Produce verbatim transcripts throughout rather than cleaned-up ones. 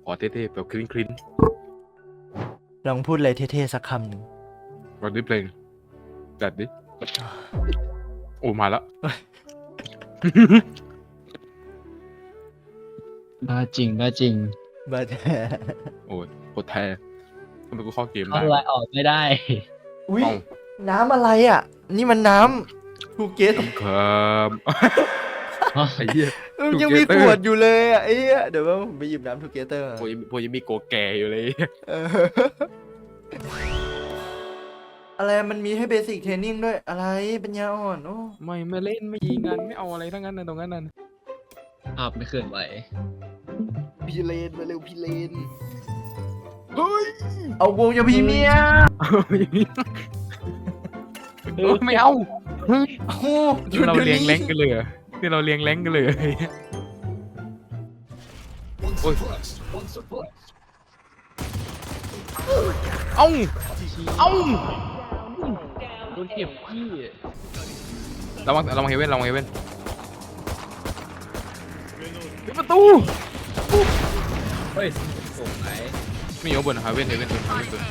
ขอเท่ๆแบบคลิ้นคลิ้นลองพูดอะไรเท่ๆสักคำหนึ่งวันนี้เพลงจัดดิโอ้มาแล้วบ้าจริงบ้าจริงบัดโอ้ยโคตรแท้ทำไมกูเข้าเกมเข้าได้ไลน์ออกไม่ได้อุ้ยเอ้าน้ำอะไรอ่ะ นี่มันน้ำภูเก็ตครับไอ้เหี้ยยังมี Together ขวดอยู่เลยอ่ะไอ้เหี้ยเดี๋ยวว่าผมไปหยิบน้ำทูเกเตอร์พวกยังพวกยังมีโกแก่อยู่เลยอะไรมันมีให้เบสิกเทรนนิ่งด้วยอะไรปัญญาอ่อนโอ้ไม่ไม่เล่นไม่ยิงกันไม่เอาอะไรทั้งนั้นนะตรงนั้นน่ะภาพไม่เคลื่อนไหวพี่เลนมาเร็วพี่เลนเฮ้ยเอาวงอย่าพี่เมียเออไม่เอาเฮ้ยโอ้โหนี่เราเลี้ยงแรงกันเลยเหรอนี่เราเลี้ยงแรงกันเลยเหรอโอ้ยเอ้าเอ้าโดนเก็บพี่ระวังระวังเฮเว่นระวังเฮเว่นปิดประตูเฮ้ยโอ้ไหนมีอยู่บนเฮเว่นเฮเว่นตัวเฮเว่นตัว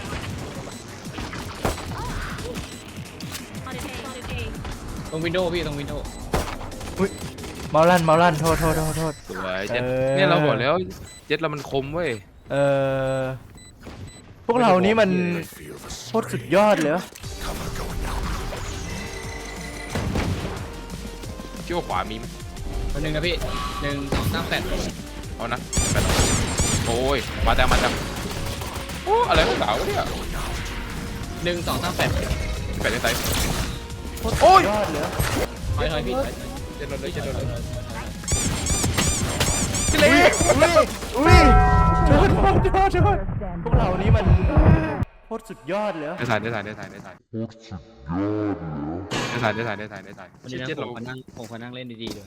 ตรงวินโดว์พี่ตรงวินโดว์เมาลั่นเมาลั่นโทษโทษโทษโทษสวยเจ็ดเออเนี่ยเราบอกแล้วเจ็ดเรามันคมเว้ยเออพวกเรานี่มันโคตรสุดยอดเลยวะเชื่อว่าขวามีไหมคนหนึ่งนะพี่หนึ่งสองสามแปดเอานะแปดโอ้ยมาแต่มาแต่โอ้อะไรของสาวเนี่ยหนึ่งสองสามแปดแปดในไซส์โคตรสุดยอดเลยวะถอยถอยพี่ถอยเจ็ดโดนเลยเจ็ดโดนเลยอุ้ยอุ้ยอุ้ยโทษโทษโทษโทษพวกเรานี่มันโคตรสุดยอดเลยวะได้ถ่ายได้ถ่ายได้ถ่ายได้ถ่ายได้ถ่ายได้ถ่ายได้ถ่ายได้ถ่ายวันนี้นะเจ็ดผเรามมานั่งผมมานั่งเล่นดีๆเลย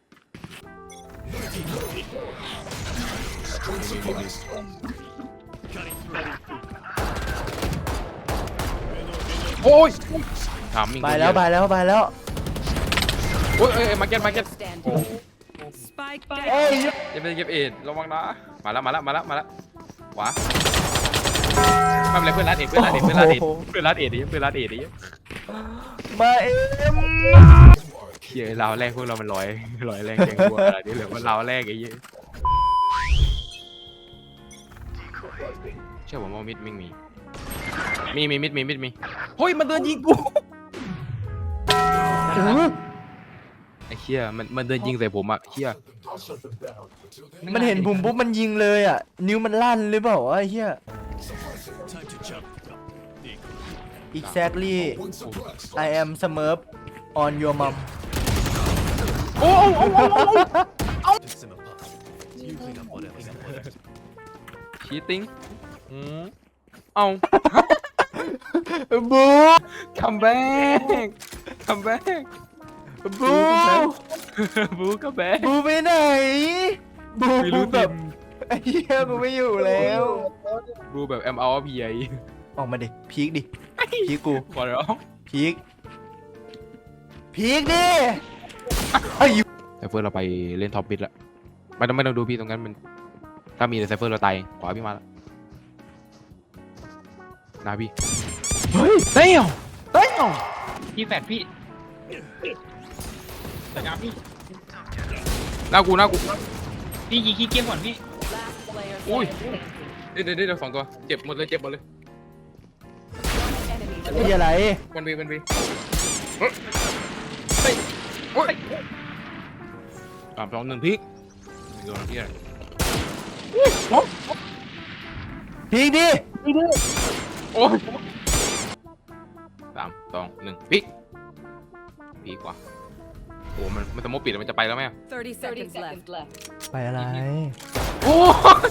โอ้ยถามมิงไปแล้วไปแล้วไปแล้วโอ้ยเอ้ยมาเก็ตมาเก็ต Spike เอ้ย down. เก็บเก็บเอ็ดระวังนะมาแล้วมาแล้วมาแล้วมาแล้วขวาไม่เป็นไรเพื่อนรัดเอ็ดเพื่อนรัดเอ็ดเพื่อนรัดเอ็ดเพื่อนรัดเอ็ดดิเพื่อนรัดเอ็ดดิมาเอ็มเฮียราวแรกพวกเรามันลอยลอยแรงแกงวัวอะไรนี่เหลือว่าราวแรกไอ้เหี้ยเชื่อผมว่ามิดมิงมีมีมีมิดมีมิดมีเฮ้ยมันเดินยิงกูไอ้เหี้ยมันมันเดินยิงใส่ผมอะเหี้ยมันเห็นผมปุ๊บมันยิงเลยอ่ะ นิ้วมันลั่นหรือเปล่าวะไอ้เหี้ย exactly I am Smurf on your mom โอ้โอ้โอ้โอ้โอ้ชีติ้งอืมเอาบูคัมแบ็กคัมแบ็กบูบูคัมแบ็กบูไปไหนบูไม่รู้แบทีบมไอ้เหี้ยกูไม่อยู่แล้วบูแบบแอมเอาพีไอออกมาดิพีกดิพีกกูขอร้องพีกพีกดิไอ้ยไซเฟอร์เราไปเล่นท็อปบิดละไม่ต้องไม่ต้องดูพี่ตรงนั้นมันถ้ามีไซเฟอร์เราตายขวาพี่มาแล้วนาพี่เฮ้ยเฮ้ยเฮ้ยพี่แปดพี่แต่งานพี่หน้ากูหน้ากูพี่ยิงขี้เกียจก่อนพี่ Last player อุ้ย standing. เดี๋ยวเดี๋ยวเดี๋ยวสองตัวเจ็บหมดเลยเจ็บหมดเลย Enemy ไอ้อะไรวันวีวันวีเฮ้ยเฮ้ยโอ้ยสามสองหนึ่งพลิกโดนที่อะไรพีกดิโอ้ยสามสองหนึ่งพลิกพลิกว่ะโอ้มันมันจะโมปิดแล้วมันจะไปแล้วไหม thirty seconds left. ไปอะไรโอ้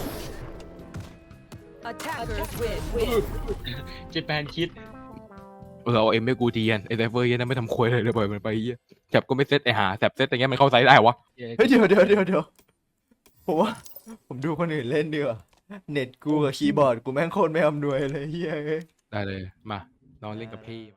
Attackers win. เจแปนคิดเราเอาเอ็มไม่กูทีนไอ้ไซเฟอร์เหี้ยันไม่ทำควยเลยเลยปล่อยมันไปเหี้ยแถบก็ไม่เซตไอ้หาแถบเซตอย่างเงี้ยมันเข้าไซส์ได้วะเฮ้ยเดี๋ยวเดี๋ยวเดี๋ยวเดี๋ยวผมว่าผมดูคนอื่นเล่นดีกว่าเน็ตกูกับคีย์บอร์ดกูแม่งโคตรไม่อำนวยเลยเฮ้ยได้เลยมานอนเล่นกับพี่